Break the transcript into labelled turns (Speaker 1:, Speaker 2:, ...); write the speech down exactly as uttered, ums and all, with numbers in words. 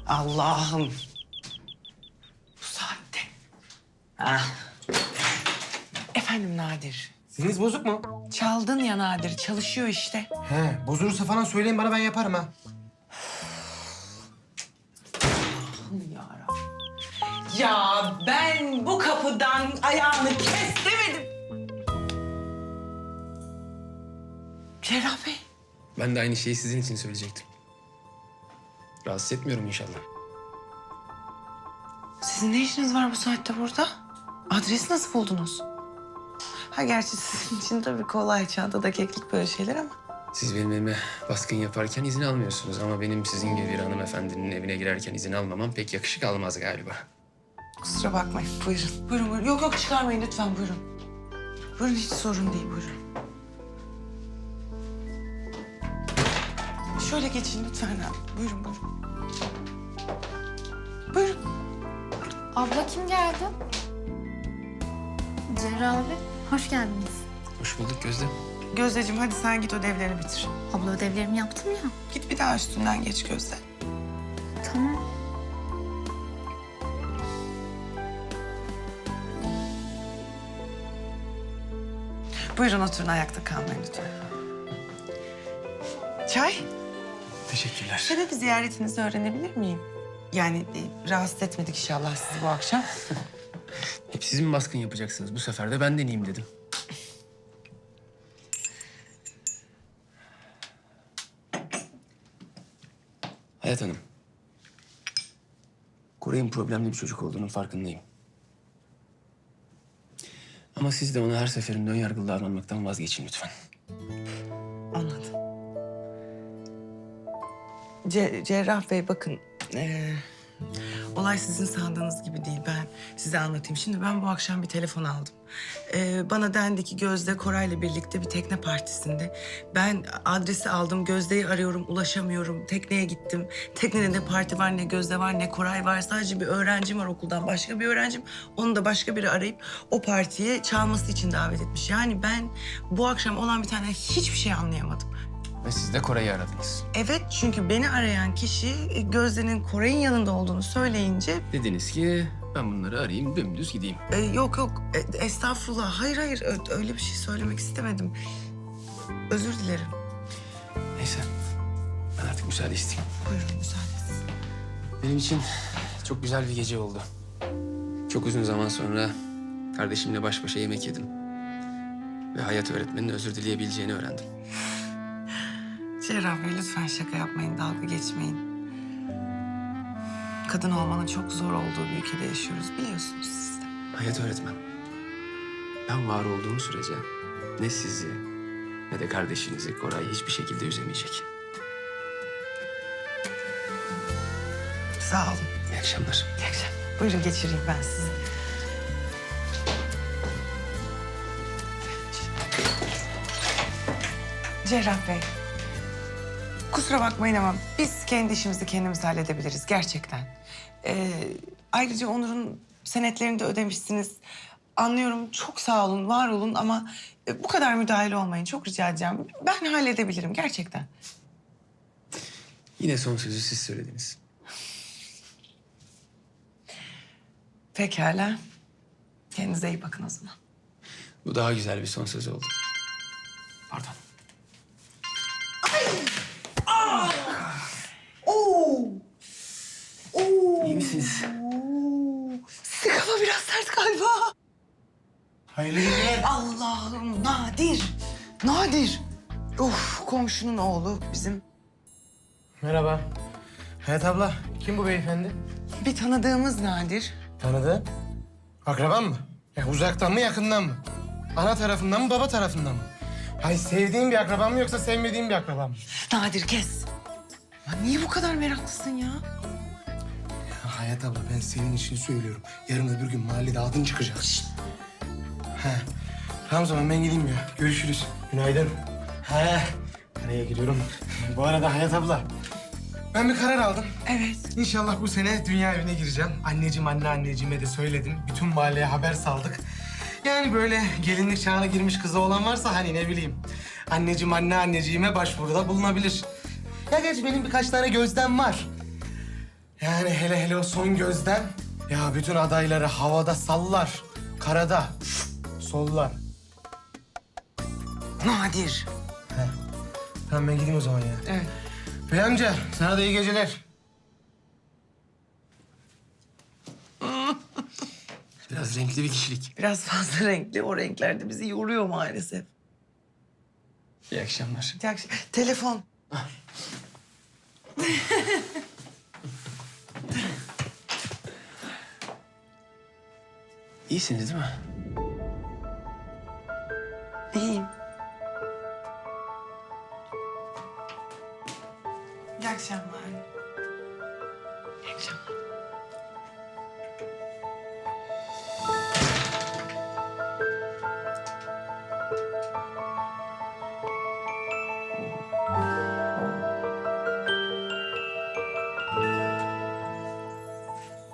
Speaker 1: Allah'ım. Bu saatte. Ah. Efendim Nadir.
Speaker 2: Siniriniz bozuk mu?
Speaker 1: Çaldın ya Nadir. Çalışıyor işte.
Speaker 2: He, bozulursa falan söyleyin bana, ben yaparım ha.
Speaker 1: Allah'ım yarabbim. Ya ben bu kapıdan ayağını kes demedim. Cerrah Bey.
Speaker 3: Ben de aynı şeyi sizin için söyleyecektim. Rahatsız etmiyorum inşallah.
Speaker 1: Sizin ne işiniz var bu saatte burada? Adresi nasıl buldunuz? Ha gerçi sizin için tabii kolay, çantada keklik böyle şeyler ama.
Speaker 3: Siz benim evime baskın yaparken izin almıyorsunuz ama benim sizin gibi bir hanımefendinin evine girerken izin almamam pek yakışık almaz galiba.
Speaker 1: Kusura bakmayın, buyurun. Buyurun, buyurun. Yok yok çıkarmayın lütfen, buyurun. Buyurun, hiç sorun değil, buyurun. Şöyle geçin lütfen abi. Buyurun, buyurun. Buyurun.
Speaker 4: Abla kim geldi? Cerrah abi, hoş geldiniz.
Speaker 3: Hoş bulduk Gözde.
Speaker 1: Gözdeciğim hadi sen git ödevlerini bitir.
Speaker 4: Abla ödevlerimi yaptım ya.
Speaker 1: Git bir daha üstünden geç Gözde.
Speaker 4: Tamam.
Speaker 1: Buyurun oturun, ayakta kalmayın lütfen. Çay?
Speaker 3: Teşekkürler.
Speaker 1: Sebebi ziyaretinizi öğrenebilir miyim? Yani e, rahatsız etmedik inşallah sizi bu akşam.
Speaker 3: Hep siz mi baskın yapacaksınız? Bu sefer de ben deneyeyim dedim. Hayat Hanım. Koray'ın problemli bir çocuk olduğunun farkındayım. Ama siz de ona her seferinde ön yargılı davranmaktan vazgeçin lütfen.
Speaker 1: Anladım. Ce- Cerrah Bey bakın, ee, olay sizin sandığınız gibi değil. Ben size anlatayım. Şimdi ben bu akşam bir telefon aldım. Ee, bana dendi ki Gözde Koray'la birlikte bir tekne partisinde. Ben adresi aldım, Gözde'yi arıyorum, ulaşamıyorum. Tekneye gittim. Teknede ne parti var, ne Gözde var, ne Koray var. Sadece bir öğrencim var okuldan, başka bir öğrencim. Onu da başka biri arayıp o partiye çalması için davet etmiş. Yani ben bu akşam olan bir tane hiçbir şey anlayamadım.
Speaker 3: Ve siz de Koray'ı aradınız.
Speaker 1: Evet, çünkü beni arayan kişi e, Gözde'nin Koray'ın yanında olduğunu söyleyince...
Speaker 3: Dediniz ki ben bunları arayayım, dümdüz gideyim.
Speaker 1: e, yok yok, e, estağfurullah. Hayır hayır, ö- öyle bir şey söylemek istemedim. Özür dilerim.
Speaker 3: Neyse, ben artık müsaade isteyeyim.
Speaker 1: Buyurun, müsaadeniz.
Speaker 3: Benim için çok güzel bir gece oldu. Çok uzun zaman sonra kardeşimle baş başa yemek yedim. Ve hayat öğretmeninin özür dileyebileceğini öğrendim.
Speaker 1: Cerrah Bey lütfen şaka yapmayın, dalga geçmeyin. Kadın olmanın çok zor olduğu bir ülkede yaşıyoruz, biliyorsunuz siz de.
Speaker 3: Hayat öğretmen, ben var olduğum sürece ne sizi ne de kardeşinizi Koray hiçbir şekilde üzemeyecek.
Speaker 1: Sağ olun.
Speaker 3: İyi akşamlar.
Speaker 1: İyi akşamlar. Buyurun geçireyim ben sizi. Cerrah Bey, kusura bakmayın ama biz kendi işimizi kendimiz halledebiliriz gerçekten. Ee, ayrıca Onur'un senetlerini de ödemişsiniz. Anlıyorum, çok sağ olun, var olun ama e, bu kadar müdahale olmayın. Çok rica edeceğim. Ben halledebilirim gerçekten.
Speaker 3: Yine son sözü siz söylediniz.
Speaker 1: Pekala. Kendinize iyi bakın o zaman.
Speaker 3: Bu daha güzel bir son söz oldu. Pardon.
Speaker 1: Oo! Oo!
Speaker 3: İyi misiniz?
Speaker 1: Sizin kafa biraz sert galiba.
Speaker 2: Hayırlı geceler.
Speaker 1: Allah'ım, Nadir. Nadir. Of, komşunun oğlu bizim.
Speaker 2: Merhaba. Hayat abla, kim bu beyefendi?
Speaker 1: Bir tanıdığımız Nadir.
Speaker 2: Tanıdı. Akraban mı? Ya uzaktan mı, yakından mı? Ana tarafından mı, baba tarafından mı? Hay sevdiğin bir akraban mı yoksa sevmediğin bir akraban mı?
Speaker 1: Nadir kes. Ya niye bu kadar meraklısın ya?
Speaker 2: Ya Hayat abla, ben senin için söylüyorum. Yarın öbür gün mahallede adın çıkacak. Şşt. He. Tamam o zaman ben gideyim ya. Görüşürüz. Günaydın. He. Nereye gidiyorum? Bu arada Hayat abla, ben bir karar aldım.
Speaker 1: Evet.
Speaker 2: İnşallah bu sene dünya evine gireceğim. Anneciğim, anneanneciğime de söyledim. Bütün mahalleye haber saldık. Yani böyle gelinlik çağına girmiş kızı olan varsa hani ne bileyim. Anneciğim, anneanneciğime başvuruda bulunabilir. Ya gerçi benim birkaç tane gözlem var. Yani hele hele o son gözden. Ya bütün adayları havada sallar. Karada sollar.
Speaker 1: Nadir.
Speaker 2: He. Tamam ben gideyim o zaman ya.
Speaker 1: Evet.
Speaker 2: Bey amca sana da iyi geceler.
Speaker 3: Biraz renkli bir kişilik.
Speaker 1: Biraz fazla renkli. O renkler de bizi yoruyor maalesef.
Speaker 3: İyi akşamlar.
Speaker 1: Bir dakika, telefon.
Speaker 3: İyisiniz değil mi?
Speaker 1: İyiyim. İyi akşamlar. İyi akşamlar.